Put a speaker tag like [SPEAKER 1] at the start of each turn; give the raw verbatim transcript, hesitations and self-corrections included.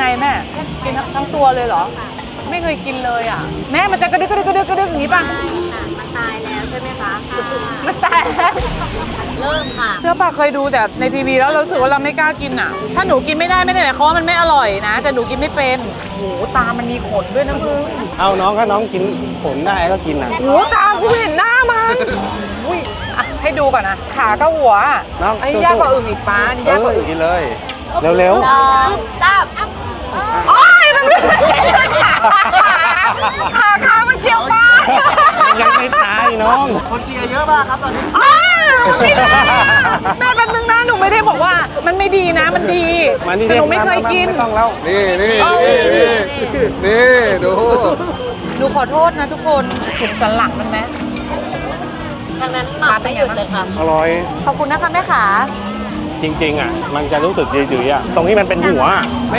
[SPEAKER 1] แม่กินทั้งทั้งตัวเลยเหรอไม่เคยกินเลยอ่ะแม่มันจะกระดึกกระดึกกระดึกกระดึกอย่างนี้ป่ะ
[SPEAKER 2] ใช่ค่ะมันตายแล้วใช่ไหมคะค่ะ
[SPEAKER 1] มันตายแล้ว
[SPEAKER 2] เริ่มค่ะ
[SPEAKER 1] เชื่อป่ะเคยดูแต่ในทีวีแล้วเรารู้สึกว่าเราไม่กล้ากินอ่ะ ถ้าหนูกินไม่ได้ไม่ได้หมายความว่ามันไม่อร่อยนะ แต่หนูกินไม่เป็นโหตามันมีขนด้วยนะมึง
[SPEAKER 3] เอาน้องก็น้องกินผลได้ก็กินนะ
[SPEAKER 1] โหตากูเห็นหน้ามันอุ้ยอ่ะให้ดูก่อนนะขากับหัว
[SPEAKER 3] น้อง
[SPEAKER 1] ไอ้ยากกว่าอึ่งอีกป้านี่ยากกว่า
[SPEAKER 3] เอ
[SPEAKER 1] อึ่
[SPEAKER 3] อง กินเลยเร็ว
[SPEAKER 2] สองสาม
[SPEAKER 1] โอ้ยมันขาขามันเกี่ยวปลา
[SPEAKER 3] ๆยังไม่ตายน้อง
[SPEAKER 4] คนเชียร์เยอะมากครับตอนนี้
[SPEAKER 1] อ้าวไม่ได้แม่แป๊บนึงนะหนูไม่ได้บอกว่ามันไม่ดีนะมันดี
[SPEAKER 3] มานี่
[SPEAKER 1] แต่หนูไม่เคยกิน
[SPEAKER 3] ไม่ต้องแล้ว
[SPEAKER 4] นี่นี่
[SPEAKER 1] เอา
[SPEAKER 4] นี่นี่นี่ดู
[SPEAKER 1] หนูขอโทษนะทุกคนถุงสันหลังมันไหม
[SPEAKER 2] ทางนั้นหมักไม่หยุดเลยค่ะ
[SPEAKER 3] อร่อย
[SPEAKER 1] ขอบคุณนะคะแม่ขา
[SPEAKER 3] จริงๆอ่ะมันจะรู้สึกดีๆอ่ะตรงที่มันเป็นหัว